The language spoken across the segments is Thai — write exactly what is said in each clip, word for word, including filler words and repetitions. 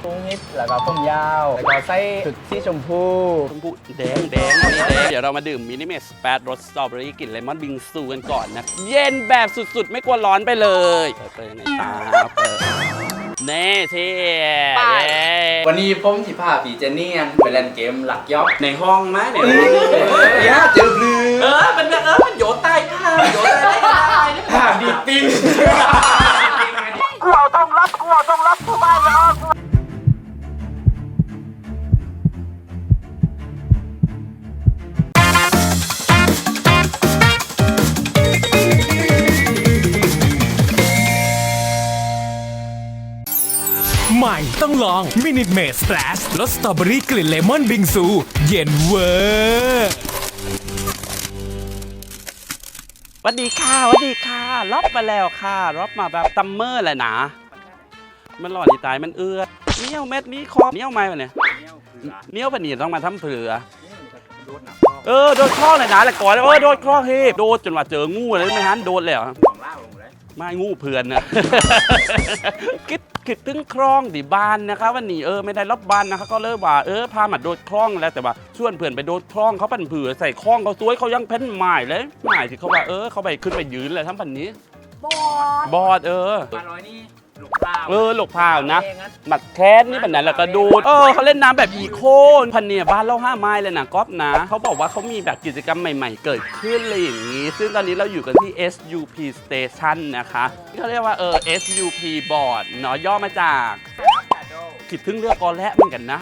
พุงฮิตแล้วก็ผมยาวแล้วก็ใส่ชุดสีชมพูชมพูแดงแดงนี่แดงเดี๋ยวเรามาดื่มมินิเมสแปดรสสตรอเบอรี่กลิ่นเลมอนบิงซูกันก่อนนะเย็นแบบสุดๆไม่กลัวร้อนไปเลยเปิดเปิดในตาเปิดเน่เท่วันนี้ผมสิพาพี่เจนนี่ไปเล่นเกมหลักยอกในห้องไหมในห้องเนี่ยเจอลือเออมันเออมันโยนใต้ผ้าโยนใต้ผ้าผ้าดีติ้งกูต้องรับกูต้องรับกูไม่รอดใหม่ต้องลองมินิเมสแ a ชรสสตรอเบอรี่กลิ่นเลมอนบิงซูเย็นเวอร์สวัสดีค่ะสวัสดีค่ะล็อบมาแล้วค่ะล็อบมาแบบซัมเมอร์แหละนะมันหล่อดีตายมันเอื้อเนี้ยวเม็ดนี้คอเนี้ยวไม้ปะเนี่ยเนี้ยวปะเนี่ยต้องมาทำเผือเออโดนคล้องเลยนะแหละก่อนเออโดนคล้องเฮ้โดนจนว่าเจองูเลยไม่ฮันโดนแล้วไม่งูเพื่อนนะคิดคิดถึงคลองดิบ้านนะคะวันนี้เออไม่ได้รับบ้านนะคะก็เลยว่าเออพามาโดดคลองแล้วแต่ว่าชวนเพื่อนไปโดดคลองเขาปั่นเผื่อใส่คลองเขาสวยเขายังเพ้นใหม่เลยใหม่ที่เขาว่าเออเขาไปขึ้นไปยืนเลยทั้งพันนี้บอดบอดเออปลาร้อยนี่หลกพาวเออหลกพาวนะหมัดแคสนี่แบบนั้นแล้วก็ดูเออเขาเล่นน้ำแบบอีโคพันเนี่ยบ้านเราห้าไม้เลยนะก๊อฟนะเขาบอกว่าเขามีแบบกิจกรรมใหม่ๆเกิดขึ้นอะไรอย่างนี้ซึ่งตอนนี้เราอยู่กันที่ เอส ยู พี Station นะคะเขาเรียกว่าเออ เอส ยู พี Board เนาะย่อมาจากคิดถึงเรือกอและเหมือนกันนะ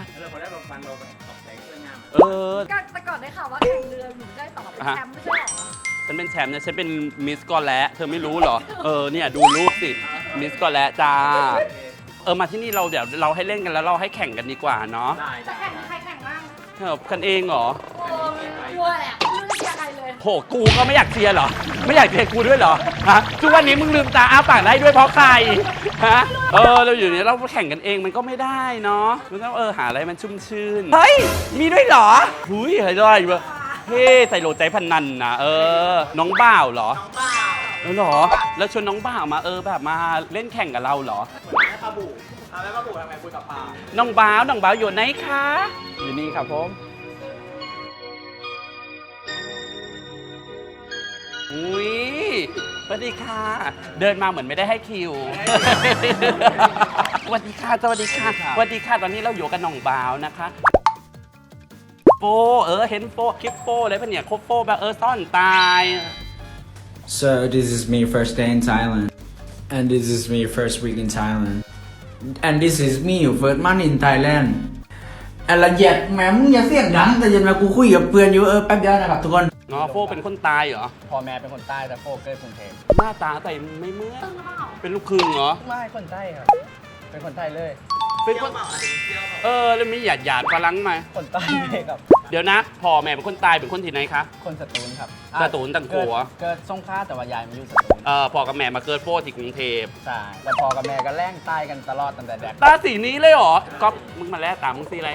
เออแต่ก่อนได้ข่าวว่าแข่งเรือหนูได้ต่อเป็นแชมป์ไม่ใช่หรอฉันเป็นแชมป์นะฉันเป็นมิสกอและเธอไม่รู้เหรอเออเนี่ยดูรูปสิมิสกอและจ้าเออมาที่นี่เราเดี๋ยวเราให้เล่นกันแล้วเราให้แข่งกันดีกว่าเนาะจะแข่งใครแข่งบ้างเออกันเองเหรอโอ้กลัวแหละไม่รู้จะเชียร์ใครเลยโหกูก็ไม่อยากเชียร์เหรอไม่อยากเชียร์กูด้วยเหรอฮะทุกวันนี้มึงลืมตาอ้าปากได้ด้วยเพราะใครฮะเออเราอยู่เนี่ยเราแข่งกันเองมันก็ไม่ได้เนาะมันต้องเออหาอะไรมันชุ่มชื่นเฮ้ยมีด้วยเหรอหุยเฮ้ยได้เว้ยเฮ้ใส่โหลใจพันนันนะเออน้องบ่าวเหรอน้องบ่าวเออเหรอแล้วชวนน้องบ่าวมาเออแบบมาเล่นแข่งกับเราเหรอเหมือนแม่ปลาบูเอาแม่ปลาบูทำไมคุยกับปลาน้องบ่าวน้องบ่าวอยู่ไหนคะอยู่นี่ครับผมอุ้ยสวัสดีค่ะเดินมาเหมือนไม่ได้ให้คิวสวัสดีค่ะสวัสดีค่ะสวัสดีค่ะตอนนี้เราอยู่กับน้องบ่าวนะคะโฟเออเห็นโฟคลิปโฟเลยปะเนี่ยคบโฟแบบเออซ่อนตาย So this is me first day in Thailand and this is me first week in Thailand and this is me first month in Thailand อะละเอียดแหมมึงอย่าเสียงดังแต่ยันมากูคุยกับเพื่อนอยู่เออแป๊บเดียวนะครับทุกคนอ๋อโฟเป็นคนตายเหรอพ่อแม่เป็นคนใต้แต่โฟเกิดกรุงเทพหน้าตาแต่ไม่เหมือนเป็นลูกครึ่งเหรอไม่คนใต้ครับเป็นคนใต้เลยเป็นคนเออแล้วมีหยาดหยาดฝรั่งไหมคนใต้เลยครับเดี๋ยวนะพ่อแม่เป็นคนตายเป็นคนที่ไหนคะคนสตูลครับสตูลตังกัวเกิดสงขลาแต่ว่ายายมาอยู่สตูลเออพ่อกับแม่มาเกิดโฟที่กรุงเทพใช่แล้วพ่อกับแม่ก็แล่งใต้กันตลอดตั้งแต่เด็กตาสีนี้เลยเหรอก๊อฟมึงมาแล้วตามึงสีอะไร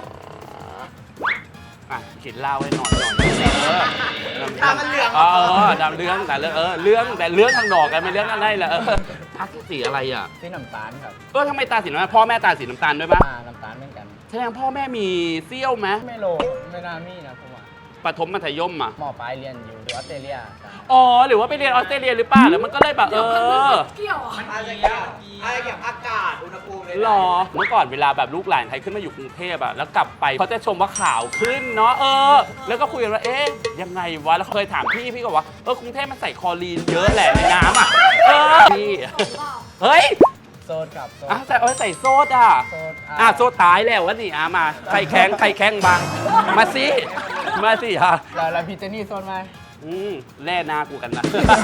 อ่ะเขียนเล่าให้หน่อยหน่อยตามันเหลืองเออดำเรื่องแต่เรื่องเออเรื่องแต่เรื่องทางดอกกันไม่เรื่องอะไรแหละเออตาสีอะไรอ่ะสีน้ำตาลครับเออทำไมตาสีน้ำตาลพ่อแม่ตาสีน้ำตาลด้วยปะน้ำตาลเหมือนกันแสดงพ่อแม่มีเซี่ยวไหมไม่โลไม่น่ามีนะผมว่าปฐมมัธยมอ่ะหมอปลายเรียนอยู่ที่ออสเตรเลียอ๋อหรือว่าไปเรียนออสเตรเลียหรือเปล่าแล้วมันก็เลยแบบเออเกี่ยวมันอะไรเกี่ยวอะไรเกี่ยวอากาศอุณหภูมิเลยหรอเมื่อก่อนเวลาแบบลูกหลานใครขึ้นมาอยู่กรุงเทพอ่ะแล้วกลับไปเขาจะชมว่าข่าวขึ้นเนาะเออแล้วก็คุยกันว่าเอ๊ะยังไงวะแล้วเคยถามพี่พี่ก็ว่าเออกรุงเทพมันใส่คลอรีนเยอะแหละในน้ำอ่ะเออพี่เฮ้ยโซดกับโซดอ่ะใส่เออใส่โซดอ่ะอ่ะโซดตายแล้ววะนี่อ่ะมาใครแข็งใครแข็งบ้างมาสิมาสิฮะแล้วพี่เจนี่โซดไหมอืมแล่หน้ากูกันนะ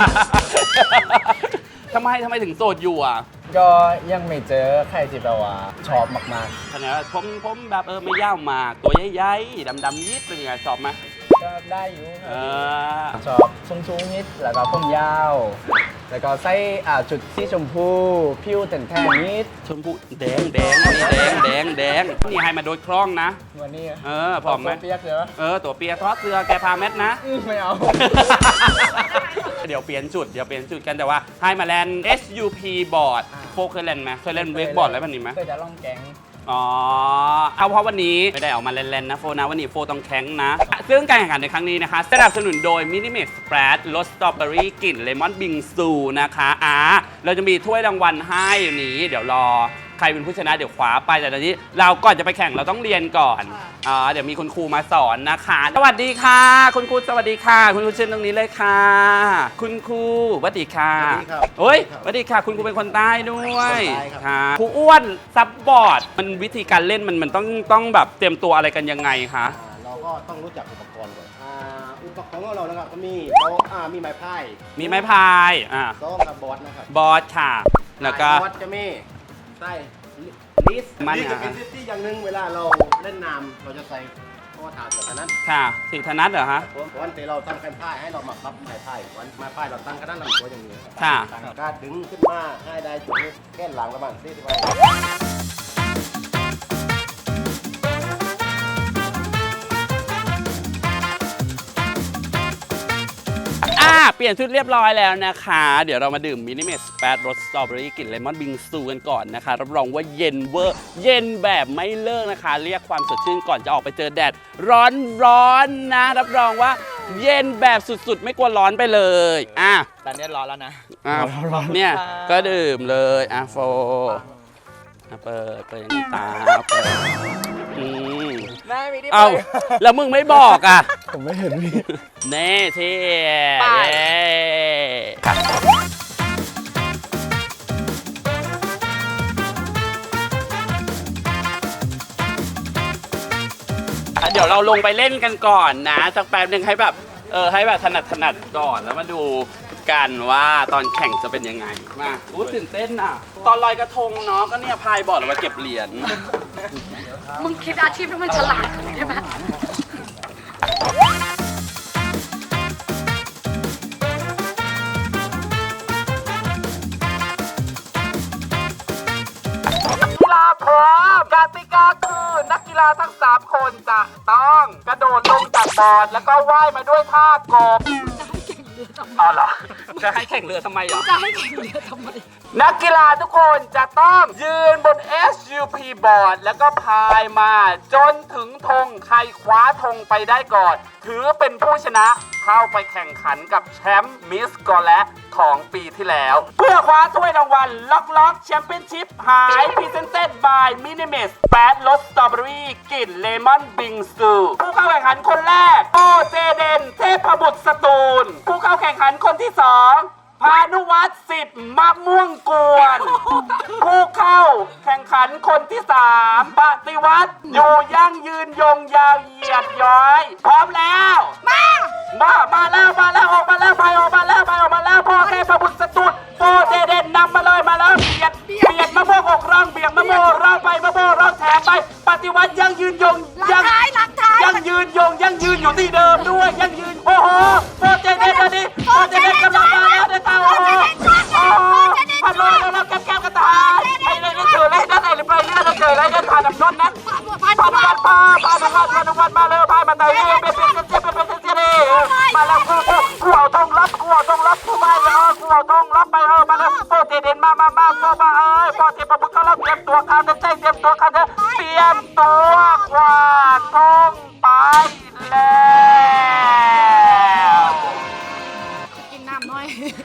ทำไมทำไมถึงโสดอยู่อ่ะก็ยังไม่เจอใครที่แบบว่าชอบมากๆขนาดผมผมแบบเออไม่ยาวมากตัวใหญ่ๆดำๆยิดเป็นยังไงชอบไหมก็ได้อยู่เออชอบสูงๆนิดแล้วก็ผมยาวแล้วก็ใส่อ่าจุดสีชมพูผิวแทนๆนิดชมพูแดงแดงนี่แดงแดงแดงนี่ให้มาโดยคล้องนะวันนี้เออพร้อมไหมตัวเปียกเหรอเออตัวเปียกทอดเสื้อแกพาเม็ดนะไม่เอาเดี๋ยวเปลี่ยนจุด เดี๋ยวเปลี่ยนจุดกันแต่ว่าให้มาแลน เอส ยู พี บอร์ดโฟเคยเล่นไหมเคยเล่นเวกบอร์ดอะไรแบบนี้ไหมเคยจะล่องแก๊งอ๋อ เอาเพราะวันนี้ไม่ได้ออกมาเล่นๆนะโฟนะวันนี้โฟต้องแข็งนะ ซึ่งการแข่งขันในครั้งนี้นะคะสนับสนุนโดย Minimate Splash รสสตรอเบอรี่กลิ่นเลมอนบิงซูนะคะอ่าเราจะมีถ้วยรางวัลให้อยู่นี้ เดี๋ยวรอใครเป็นผู้ชนะเดี๋ยวคว้าไปแต่ตอนนี้เราก่อนจะไปแข่งเราต้องเรียนก่อนอ่าเดี๋ยวมีคุณครูมาสอนนะคะสวัสดีค่ะ คุณครูสวัสดีค่ะ คุณครูเชิญตรงนี้เลยค่ะ คุณครูสวัสดีค่ะสวัสดีครับโอ้ยสวัสดีค่ะ คุณครูเป็นคนใต้ด้วยคนใต้ครับค่ะครูอ้วนซับบอร์ดมันวิธีการเล่นมันมันต้องต้องแบบเตรียมตัวอะไรกันยังไงคะอ่าเราก็ต้องรู้จักอุปกรณ์ก่อนอ่าอุปกรณ์ของเรานะครับก็มีโต๊ะอ่ามีไม้พายมีไม้พายอ่าโต๊ะกับบอร์ดนะครับบอร์ดค่ะ แล้วก็บอร์ดจะมีใส่ลิสมันลิสจะอ่ะเป็นที่อย่างหนึ่งเวลาเราเล่นน้ำเราจะใส่ข้อถาดแบบนั้นค่ะสีธนัทเหรอคะผมวันที่เราตั้งกันพายให้เรามาพับไม้พายวันไม้พายเราตั้งกันด้านหลังตัวอย่างนี้ครับค่ะตั้งการดึงขึ้นมาให้ได้จุดแก้นหลังประมาณสี่สิบไว้อ่าเปลี่ยนชุดเรียบร้อยแล้วนะคะ เดี๋ยวเรามาดื่มมินิเมสแปดรสสตรอเบอรี่กลิ่นเลมอนบิงซูกันก่อนนะคะรับรองว่าเย็นเวอร์เย็นแบบไม่เลิกนะคะ เรียกความสดชื่นก่อนจะออกไปเจอแดดร้อนร้อนๆนะ รับรองว่าเย็นแบบสุดๆ ไม่กลัวร้อนไปเลยอ่ะตอนนี้ร้อนแล้วนะอ่ะเนี่ยก็ดื่มเลยอ่ะโฟอ่ะเปิดเปิดอย่างนี้ตาเปิดอืมแม่มีที่เอาแล้วมึงไม่บอกอ่ะผมไม่เห็นพี่เน่เท่ไปเย้เดี๋ยวเราลงไปเล่นกันก่อนนะสักแป๊บหนึ่งให้แบบเออให้แบบถนัดถนัดก่อนแล้วมาดูกันว่าตอนแข่งจะเป็นยังไงมาอู้ตื่นเต้นอ่ะ ตอนลอยกระทงเนาะก็เนี่ยพายบอร์ดเอาไว้เก็บเหรียญมึงคิดอาชีพที่มันฉลาดใช่ไหมกีฬาพร้อมกติกาคือนักกีฬาทั้งสามคนจะต้องกระโดดลงจากบอร์ดแล้วก็ว่ายมาด้วยท่ากบอ๋อเหรอจะให้แข่งเรือทำไมเหรอจะให้แข่งเรือทำไมนักกีฬาทุกคนจะต้องยืนบน เอส ยู พี บอร์ดแล้วก็พายมาจนถึงธงใครคว้าธงไปได้ก่อน ถือเป็นผู้ชนะเข้าไปแข่งขันกับแชมป์มิสกอแลตของปีที่แล้ว เพื่อคว้าถ้วยรางวัลล็อกล็อกแชมเปี้ยนชิพหายพรีเซนเต็ดบายมินิเมสแปดรสสตรอเบอรี่กลิ่นเลมอนบิงซูผู้เข้าแข่งขันคนแรกโอเจเดนเทพบุตรสตูลผู้เข้าแข่งขันคนที่สองพานุวัฒน์สิทธิ์มะม่วงกวน ผู้เข้าแข่งขันคนที่สามปฏิวัติอยู่ยั่งยืนยงยาวเหยียดย้อย พร้อมแล้ว มา มา มาแล้วมาแล้วออกมาแล้วไปออกมาแล้วไปออกมาแล้วพ่อเทพบุตรสตุดโปเจเดนนำมาเลยมาแล้วเบียดเบียดมะม่วงอกร่องเบียดมะม่วงร่องไปมะม่วงร่องแถมไป ปฏิวัติยั่งยืนยงหลังยั่งท้ายหลังท้ายยังยืนยงยังยืนอยู่ที่เดิมด้วยยังยืนโอ้โหโปรเจเดนอันนี้โปรเจเดนกำลังมาแล้วเดี๋ยวตาโอ้โหโอ้โหพันโลแล้วแล้วแก้มแก้มกระต่ายไอ้เลยนี่เกิดอะไรนั่นไอ้หรือไปเรื่องเกิดอะไรกันผ่านน้ำนนนั้นผ่านน้ำวันพาผ่านน้ำวันผ่านน้ำวันมาเลยพายมาไต่เรือเป็นเป็นเป็นเป็นเป็นเป็นเป็นมาแล้วกูกูกูเอาทงรับกูเอาทงรับกูไปเออกูเอาทงรับไปเออมาแล้วโปรเจเดนมามามาโปรมาเออโปรเจเดนเขาแล้วเตรียมตัวเขาจะใจเตรียมตัวเขาจะเตรียมตัวกวาดทงไปแล้วกินน้ำหน่อย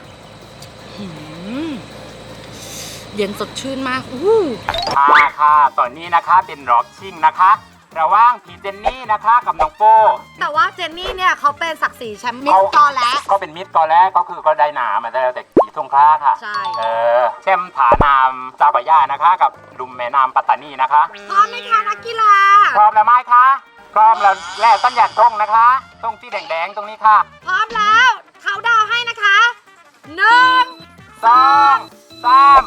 เย็นสดชื่นมากอู้ค่ะค่ะตอนนี้นะคะเป็นร็อกชิ่งนะคะ ระหว่างพี่เจนนี่นะคะกับน้องโฟแต่ว่าเจนนี่เนี่ยเขาเป็นศักดิ์ศรีแชมป์มิสกอแล้วก็เป็นมิตรก่อนแรกก็คือก็ได้หนามาแล้วแต่ขี่ทงคล้าค่ะใช่เออแชมป์ฐานามเจ้าพระยานะคะ กับลุมแม่น้ำปัตตานีนะคะพร้อมไหมคะนักกีฬาพร้อมแล้วไหมคะพร้อมแล้วแลกต้นหยัดทงนะคะทงที่แดงๆตรงนี้ค่ะพร้อมแล้ว เขาดาวให้นะคะหนึ่งสองสาม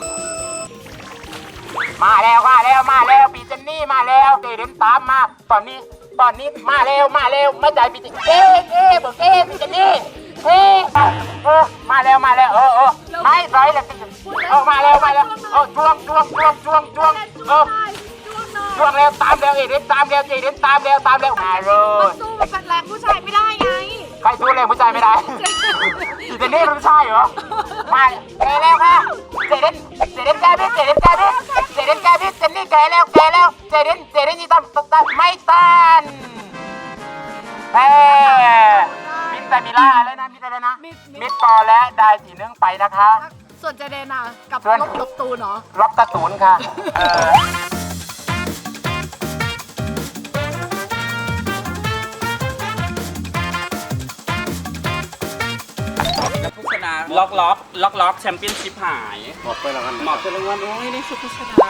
มาแล้วมาแล้วมาแล้วปีเจนนี่มาแล้วเดินตามมาตอนนี้ตอนนี้มาเร็วมาเร็วไม่ใจปีเจนเอ๊ะเอ๊ะบอกเอ๊ะปีเจนนี่เอ๊ะเออมาแล้วมาแล้วเออเออไม่ไรเลยปีเจนเออมาแล้วมาแล้วเออจ้วงจ้วงจ้วงจ้วงจ้วงเออจ้วงเร็วตามเร็วเอ็ดตามเร็วเอ็ดตามเร็วตามเร็วมาเลยสู้มันเป็นแรงผู้ชายไม่ได้ไงใครสู้เร็วผู้ชายไม่ได้เเจนนี่มันไม่ใช่เหรอมาแกแล้วค่ะเจเดนเจเดนแกพี่เจเดนแกพี่เจเดนแกพี่เจนนี่แกแล้วแกแล้วเจเดนเจเดนยี่ตันตันไม่ตันแพ้มิสแต่มิล่าแล้วนะมิสอะไรนะมิสต่อและได้สีนึงไปนะคะส่วนเจเดนอ่ะกับส่วนลบลบตูนเนาะรับตะตูนค่ะเออผู้ชนะล็อกล็อกล็อกล็อกแชมเปี้ยนชิพหายหมดไปแล้วกันหมอบเป็นรางวัลโอ้ยนี่คือผู้ชนะ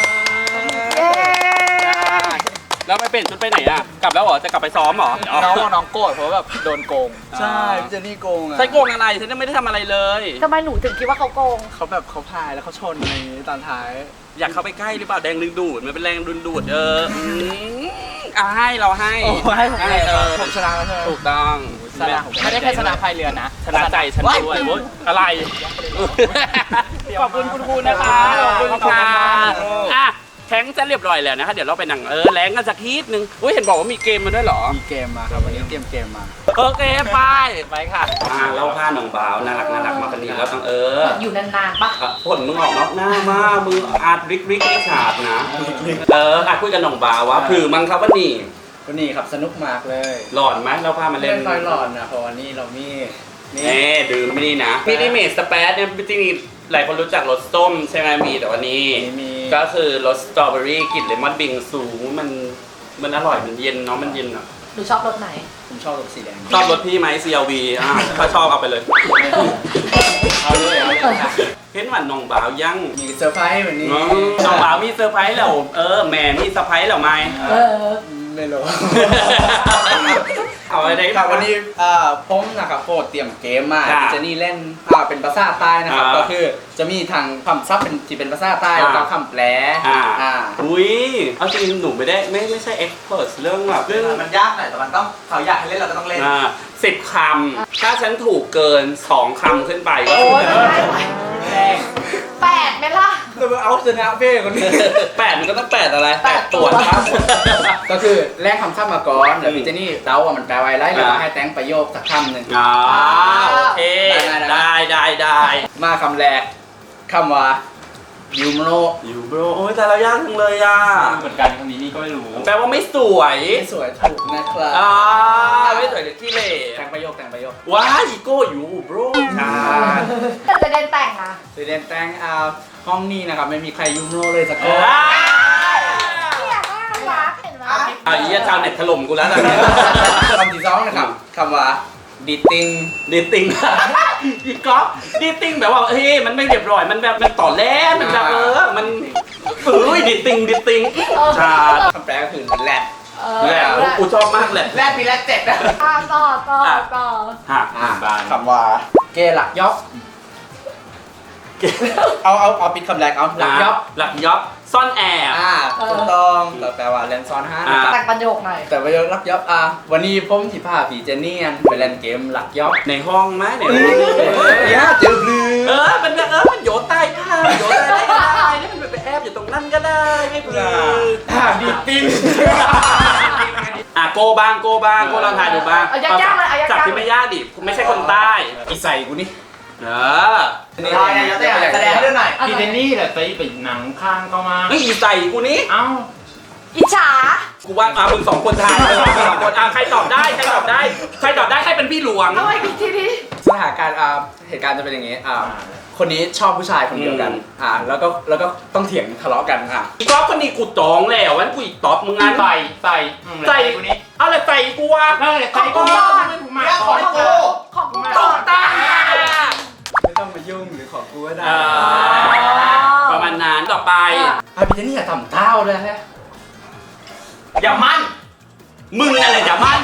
แล้วไปเปลี่ยนชุดไปไหนอ่ะกลับแล้วเหรอจะกลับไปซ้อมเหรอน้องว่าน้องโกรธเพราะแบบโดนโกง ใช่พี่เจนนี่โกงอ่ะใช่โกงอะไรฉันยังไม่ได้ทำอะไรเลยทำไมหนูถึงคิดว่าเขาโกงเขาแบบเขาพายแล้วเขาชนอะไรอย่างงี้ตอนท้ายอยากเข้าไปใกล้หรือเปล่าแดงดึงดูดมันเป็นแรงดึงดูดเอออืมอ่ะให้เราให้โอ้ให้ผมเลยเออผมชนะแล้วใช่ไหมถูกต้องชนะผมไม่ได้แค่ชนะพายเรือนะชนะใจฉันด้วยโอ๊ยอะไรขอบคุณคุณครูนะคะขอบคุณค่ะอ่ะแข่งจะเรียบร้อยแล้วนะคะเดี๋ยวเราไปหนังเออแรงกันสักทีนึงอุ้ยเห็นบอกว่ามีเกมมาด้วยเหรอมีเกมมาครับวันนี้เตรียมเกมมาโอเคไปไปค่ะอ่าเราผ้าหนองบ่าวน่ารักน่ารักมาคนนี้แล้วต้องเอออยู่นานๆปะอ่ะผลมึงออกนอกหน้ามากมืออาดริกริกริกขาดนะเอออาจคุยกับหนองบ่าวว่าผือมั้งครับวันนี้วันนี้ครับสนุกมากเลยหลอนไหมเราพามาเล่เล่นนค่อยหลอนนะเพราะวันนี้เรามีนี่เน่ดื่มไม่นี่นะพี่นี่เมสสเปซเนี่ยจริงๆหลายคนรู้จักรสส้มใช่ไหมมีแต่วันนี้มีก็คือรสสตรอเบอรี่กลิ่นเลมอนบิงซูมันมันอร่อยมันเย็นเนาะมันเย็นอ่ะหนูชอบรสไหนผมชอบรสสีแดงชอบรสพี่ไหม ซี แอล วี อ่าถ้าชอบเอาไปเลยเอาเลยเอาเลยค่ะเห็นหวันน้องบ่าวยังมีเซอร์ไพรส์วันนี้น้องบ่าวมีเซอร์ไพรส์แล้วเออแม่มีเซอร์ไพรส์แล้วไหมเออไม่รู้เอาอะไรได้ครับวันนี้อ่าผมนะครับโปรดเตรียมเกมมาครับเจนี่เล่นอ่าเป็นภาษาใต้นะครับอ่าก็คือจะมีทางคำศัพท์เป็นที่เป็นภาษาใต้อ่าแล้วก็คำแปลอ่าอ่าอุ้ยเอาจริงหนูไม่ได้ไม่ไม่ใช่เอ็กซ์เพรสเรื่องแบบเรื่องมันยากหน่อยแต่มันต้องเขาอยากให้เล่นเราก็ต้องเล่นอ่าสิบคำถ้าฉันถูกเกินสองคำขึ้นไปก็โอ้ยคือแรงแปดไหมล่ะเราเอาชนะเป้คนนี้แปดมันก็ต้องแปดอะไรแปดตัวครับก็คือแลกคำศัพท์มาก่อนแล้วพี่เจนี่เดาว่ามันแปลว่าอะไรแล้วก็อ่าให้แต่งประโยคสักคำหนึ่งอ่าโอเคได้ได้ได้ได้มาคำแรกคำว่ายูโมโนอยู่โบรโอ้ยแต่เรายากจังเลยอ่ะเหมือนกันคำนี้นี่ก็ไม่รู้แปลว่าไม่สวยไม่สวยถูกนะครับอ่าไม่สวยหรือขี้เหร่แต่งประโยคแต่งประโยคว้ายอีโก้อยู่โบรใช่แต่เจเดนแต่งนะสีแดงแต่งอ่าห้องนี้นะครับไม่มีใครยูโมโนเลยสักคนอ่าเนี่ยน่ารักเห็นไหมอ่ะอีชาวเน็ตถล่มกูแล้วตอนนี้คำที่สองนะครับคำว่าดิตติ้งดีติงอีก๊อฟดีติงแบบว่าเฮ้ยมันไม่เรียบร้อยมันแบบมันต่อแล้มันแบบเออมันเอ้ยดีติงดีติงชาคำแปลก็คือแรดเออแหละกูชอบมากเลยแรกปีแรกเจ็ดนะอ่ะต่อต่อต่อฮะอ่าคำว่าเกย์หลักยอบเอาเอาเอาปิดคำแรกเอาหลักยอบหลักยอบซ่อนแอบอ่าถูกต้องก็แปลว่าเล่นซ้อนห้านะครับแต่งประโยคหน่อยแต่ประโยคหลักยอบอ่ะวันนี้ผมที่พาผีเจนนี่อันไปเล่นเกมหลักยอบในห้องไหมในห้องเนี่ยเจอลือเออมันแบบเออมันโยนใต้ผ้าโยนใต้ได้ก็ได้นี่มันไปแอบอยู่ตรงนั้นก็ได้ไม่เป็นไรอ่าดิตติ้งอ่ะโกบ้างโกบ้างโกลองทายดูบ้างเอายากๆเลยเอายากๆจับที่ไม่ยากดิไม่ใช่คนใต้อีใส่กูนี่เออได้ไงยกตัวอย่างแสดงเรื่องหน่อยพี่เจนนี่ไม่อีใส่กูนี้อิจฉากูว่าอ่ะมึงสองคนทายมึงสองคนอ่ะใครตอบได้ใครตอบได้ใครตอบได้ให้เป็นพี่หลวงเอาไว้อีกทีนี้สถานการณ์อ่าเหตุการณ์จะเป็นอย่างงี้อ่าคนนี้ชอบผู้ชายคนเดียวกันอืมอ่าแล้วก็แล้วก็ต้องเถียงทะเลาะกันอ่ะอีกรอบคนนี้กูจองแล้ววันกูอีกตอบมึงงั้นใส่ใส่ใส่กูนี้เอาเลยใส่กูอ่ะเออใส่กูอ่ะเรื่องของกูของกูตก่ออบ นตาไม่ต้องมายุ่งหรือขอกูก็ได้อ่าประมาณนั้นต่อไปอ่ะพี่เจนนี่อย่าทำเท้าเลยฮะอย่ามั่นมึงอะไรจะมั่น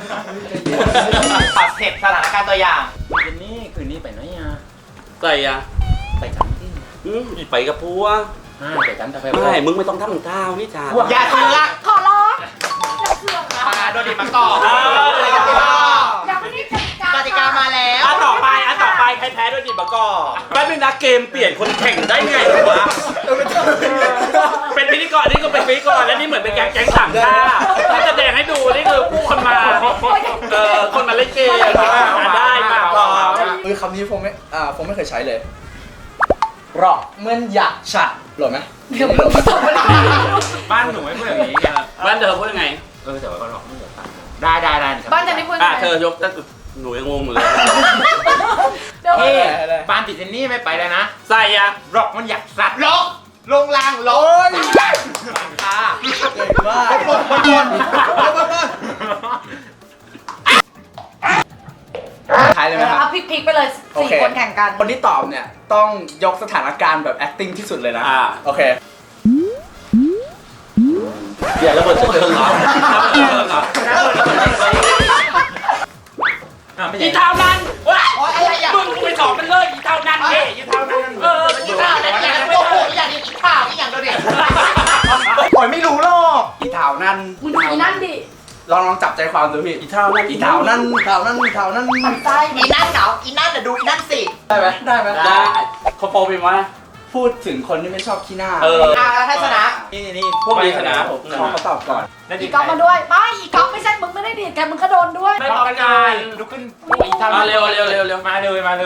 ปัดเสร็จสถานการณ์ตัวอย่างพี่เจนนี่คืนนี้ไปไหนอ่ะใส่อ่ะไปกันที่อืมไปกับพัวอ่าไปกันแต่ไปไม่มึงไม่ต้องทำก้าวนี่จ้าอย่าเสือกขอร้องอย่าเสือกนะมาโดนดิบมาก่อนยังไม่ได้กติกากติกามาแล้วอ่ะต่อไปอ่ะต่อไปใครแพ้ด้วยดิบะก่อแป๊บนึงนะเกมเปลี่ยนคนแข่งได้ไงวะเป็นพิธีกรนี่ก็เป็นพิธีกรแล้วนี่เหมือนเป็นแก๊งแก๊งสามชาที่แสดงให้ดูนี่คือผู้คนมาเออคนมาเล่นเกมอ่ะได้มาพร้อมเออยคำนี้ผมไม่อ่าผมไม่เคยใช้เลยหรอกเหมื่อนอยากฉัดหรอไหมเดี๋ยวมึงส่งมาดิบ้านหนูไม่พูดอย่างนี้บ้านเธอพูดยังไงเออแต่ว่าหลอกไม่เหลือตังค์ได้ได้ได้บ้านจะไม่พูดอ่ะไงเธอยกตั้งหนูยังงงอยู่เลยเดี๋ยวเฮ้บ้านติดเจนนี่ไม่ไปแล้วนะใส่อะหลอกมันอยากสัตว์หลอกลงรางหลอกค่ะเก่งมากบนบนบนบนบนทายเลยไหมครับเอาพลิกๆไปเลยโอสี่เคคนแข่งกันคนที่ตอบเนี่ยต้องยกสถานการณ์แบบ acting ที่สุดเลยนะอ่าโอเคเดี๋ยวระเบิดเชิงเหรอระเบิดเชิงเหรออีเท่านั้นว้ายมึงไปสอบมันเลยอีเท่านั้นเฮ้อีเท่านั้นเอออีข้าวอะไรอย่างนี้โอ้โหอย่างนี้อีข้าวอีอย่างเดียวเนี่ยโอ้ยไม่รู้หรอกอีเถานั่นมึงดูอีนั่นดิลองลองจับใจความดูพี่อีเท่านั้นอีเถานั่นเถานั่นเถานั่นมันไส้อีนั่นเหงาอีนั่นน่ะดูอีนั่นสิได้ไหมได้ไหมได้เขาโปรเป็นว่าพูดถึงคนที่ไม่ชอบขี้หน้าเอออ่าแล้วให้ชนะนี่นี่พวกนี้ชนะผมขอเขาตอบก่อนอีก๊อฟมาด้วยไม่อีก๊อฟไม่ใช่มึงไม่ได้ดีดกันมึงก็โดนด้วยไม่พร้อมกันลุกขึ้นอีเท่ามาเร็วเร็วเร็วเร็วมาเลยมาเลย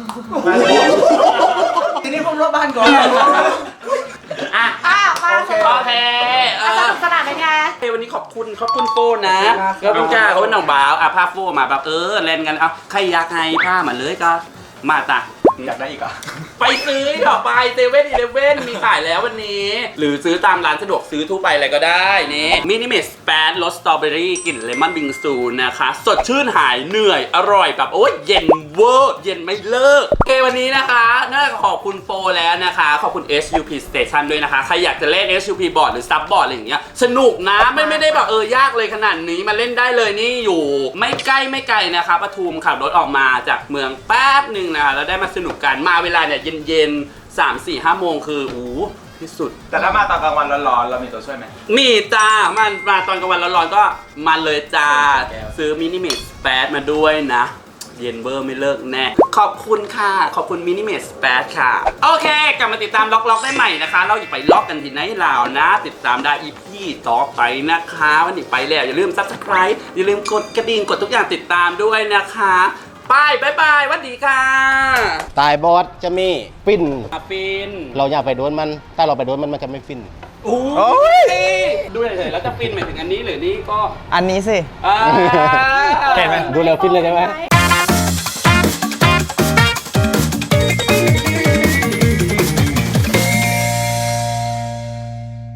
ทีนี้ผมรอบบ้านก่อนอ่ะอ่ะมาสนุโอก เคเออ่ะสอนุกสนานเป็นไงเฮ้ยวันนี้ขอบคุณขอบคุณโฟนนะขอบคุณจ้าขอบคุณน้องบ่าวอ่ะผ้าโฟมาแบบเออเล่นกันเอาใครอยากให้ผ้ามาเลยก็มาจ้ะอยากได้อีกเหรอ่ะไปซื้อต่อไปเซเว่นอีเลฟเว่นมีขายแล้ววันนี้ หรือซื้อตามร้านสะดวกซื้อทั่วไปอะไรก็ได้นี่มินิเมสแปดรสสตรอเบอรี่กลิ่นเลมอนบิงซูนะคะ สดชื่นหายเหนื่อยอร่อยแบบโอ้ยเย็นเวอร์เย็นไม่เลิกโอเควันนี้นะคะน่าจะขอบคุณโฟแล้วนะคะ ขอบคุณ เอส ยู พี Station ด้วยนะคะ ใครอยากจะเล่น เอส ยู พี บอร์ดหรือซับบอร์ดอะไรอย่างเงี้ยสนุกนะไม่ไม่ได้แบบเออยากเลยขนาดนี้มาเล่นได้เลยนี่อยู่ ไม่ใกล้ไม่ไกลนะคะปทุมขับรถออกมาจากเมืองแป๊บหนึ่งนะคะแล้วได้มาสนุกกันมาเวลาเนี่ยเย็นๆสามสี่ห้าโมงคืออู้ที่สุดแต่ถ้ามาตอนกลางวันร้อนๆเรามีตัวช่วยไหมมีจ้ามันมาตอนกลางวันร้อนๆก็มาเลยจ้า ซื้อมินิเมสแปดมาด้วยนะ เย็นเบอร์ไม่เลิกแน่ ขอบคุณค่ะ ขอบคุณมินิเมสแปดค่ะ โอเค กลับมาติดตามล็อกล็อกได้ใหม่นะคะ เราอย่าไปล็อกกันที่ไหนลาวนะ ติดตามได้อีพีต่อไปนะคะ วันนี้ไปแล้ว อย่าลืม ซับสไครบ์ อย่าลืมกดกระดิ่งกดทุกอย่างติดตามด้วยนะคะไปบายบายสวัสดีค่ะตายบอสจะมีฟินอาฟินเราอยากไปโดนมัน ถ้าเราไปโดนมันมันจะไม่ฟินโอ้ยดูเฉยๆแล้วจะฟินหมายถึงอันนี้หรือนี่ก็อันนี้สิอ่าดูแล้วฟินเลยใช่ไหมไ